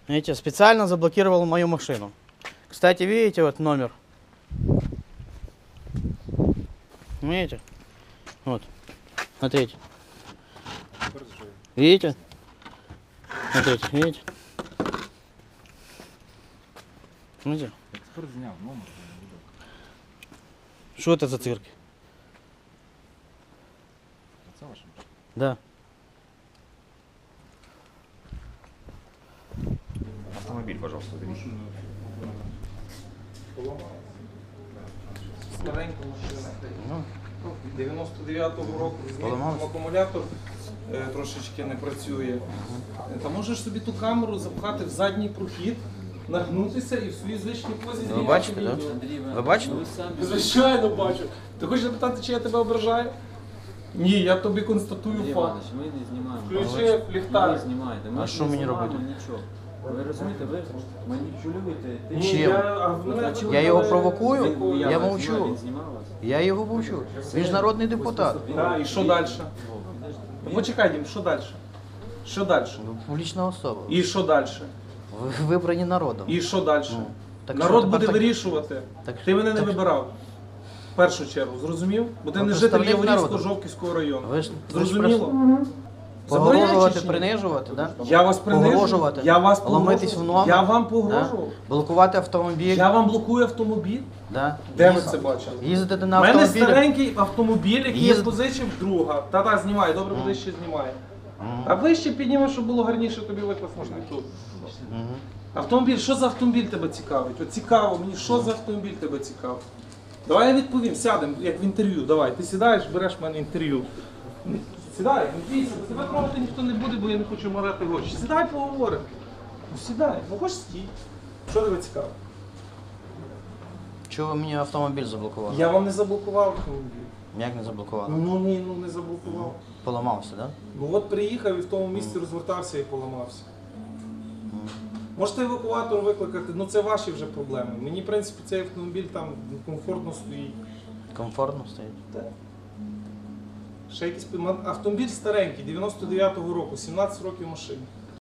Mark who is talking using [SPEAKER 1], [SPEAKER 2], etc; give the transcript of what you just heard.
[SPEAKER 1] Видите, специально заблокировал мою машину. Кстати, видите, вот номер. Видите? Вот. Смотрите. Видите? Смотрите, видите? Видите?
[SPEAKER 2] Експерт зняв номер.
[SPEAKER 1] Что это за цирк?
[SPEAKER 2] Це ваша машина?
[SPEAKER 1] Да.
[SPEAKER 2] Автомобіль, пожалуйста, уберіть.
[SPEAKER 3] Старенька машина.
[SPEAKER 1] Ну,
[SPEAKER 3] 99-го року
[SPEAKER 1] Поламався?
[SPEAKER 3] акумулятор трошечки не працює. Та можеш собі ту камеру запхати в задній прохід, нагнутися і в своїй звичній позі
[SPEAKER 1] ви
[SPEAKER 3] знімати
[SPEAKER 1] бачите,
[SPEAKER 3] відео.
[SPEAKER 1] да? Ви бачите?
[SPEAKER 3] Звичайно бачу. Ти хочеш запитати, чи я тебе ображаю? Ні, я тобі констатую
[SPEAKER 4] Андрій
[SPEAKER 3] факт.
[SPEAKER 4] Іванович, ми не знімаємо.
[SPEAKER 3] Включи
[SPEAKER 4] Ви
[SPEAKER 3] ліхтар.
[SPEAKER 4] знімаєте. Ми
[SPEAKER 1] А
[SPEAKER 4] не
[SPEAKER 1] що мені
[SPEAKER 4] знімаємо
[SPEAKER 1] робити?
[SPEAKER 4] Нічого. Ви розумієте, ви маніпулюєте.
[SPEAKER 3] Ні,
[SPEAKER 1] Чим?
[SPEAKER 3] а в мене
[SPEAKER 4] чому
[SPEAKER 1] Я його
[SPEAKER 3] викликали-
[SPEAKER 1] провокую?
[SPEAKER 3] викликали-
[SPEAKER 1] Я
[SPEAKER 4] Він
[SPEAKER 1] мовчу.
[SPEAKER 4] знімав вас.
[SPEAKER 1] Я його мовчу. Він ж народний депутат.
[SPEAKER 3] Так, і що далі? Ну, почекай, Дім, що далі? Що далі?
[SPEAKER 1] Ви публічна особа.
[SPEAKER 3] І що далі?
[SPEAKER 1] Ви вибрані народом.
[SPEAKER 3] І що далі?
[SPEAKER 1] Ну, так
[SPEAKER 3] Народ
[SPEAKER 1] що,
[SPEAKER 3] буде
[SPEAKER 1] тепер так-
[SPEAKER 3] вирішувати.
[SPEAKER 1] так-
[SPEAKER 3] Ти мене не
[SPEAKER 1] так-
[SPEAKER 3] вибирав. В першу чергу, зрозумів? Бо ти
[SPEAKER 1] Ви
[SPEAKER 3] не житель
[SPEAKER 1] представник
[SPEAKER 3] Яворівського,
[SPEAKER 1] народу.
[SPEAKER 3] Жовківського району.
[SPEAKER 1] Ви ж
[SPEAKER 3] Зрозуміло?
[SPEAKER 1] Погрожувати,
[SPEAKER 3] Забороняючи чи ні?
[SPEAKER 1] принижувати, да?
[SPEAKER 3] Я вас принижу.
[SPEAKER 1] Погрожувати,
[SPEAKER 3] Я вас
[SPEAKER 1] ломитись в
[SPEAKER 3] погрожував.
[SPEAKER 1] номер.
[SPEAKER 3] Я вам
[SPEAKER 1] да?
[SPEAKER 3] погрожував.
[SPEAKER 1] Блокувати автомобіль.
[SPEAKER 3] Я вам блокую автомобіль.
[SPEAKER 1] Да?
[SPEAKER 3] Де ви це бачили?
[SPEAKER 1] Їздити
[SPEAKER 3] У
[SPEAKER 1] на
[SPEAKER 3] мене
[SPEAKER 1] автомобілі.
[SPEAKER 3] старенький автомобіль, який я
[SPEAKER 1] Їзд-
[SPEAKER 3] позичив друга. Та-та, знімай, добре буде ще знімає. А вище підніме, щоб було гарніше тобі викласти, ніж тут.
[SPEAKER 1] Мгм.
[SPEAKER 3] Автомобіль, що за автомобіль тебе цікавить? От цікаво мені, що за автомобіль тебе цікавить? Давай я відповім, сядемо, як в інтерв'ю. Давай, ти сідаєш, береш в мене інтерв'ю. Сідай, не бійся, бо тебе трогати ніхто не буде, бо я не хочу морати гроші. Сідай, поговоримо. Ну сідай, ну хочеш стій. Що тебе цікаво?
[SPEAKER 1] Чого ви мені автомобіль заблокували?
[SPEAKER 3] Я вам не заблокував автомобіль.
[SPEAKER 1] Як не заблокували?
[SPEAKER 3] Ну ні, ну не заблокував.
[SPEAKER 1] Поламався, так? Да?
[SPEAKER 3] Ну от приїхав і в тому місці розвертався і поламався. Можете евакуатор викликати, ну це ваші вже проблеми. Мені, в принципі, цей автомобіль там комфортно стоїть.
[SPEAKER 1] Комфортно стоїть.
[SPEAKER 3] Ще якийсь автомобіль старенький, 99-го року, 17 років машині.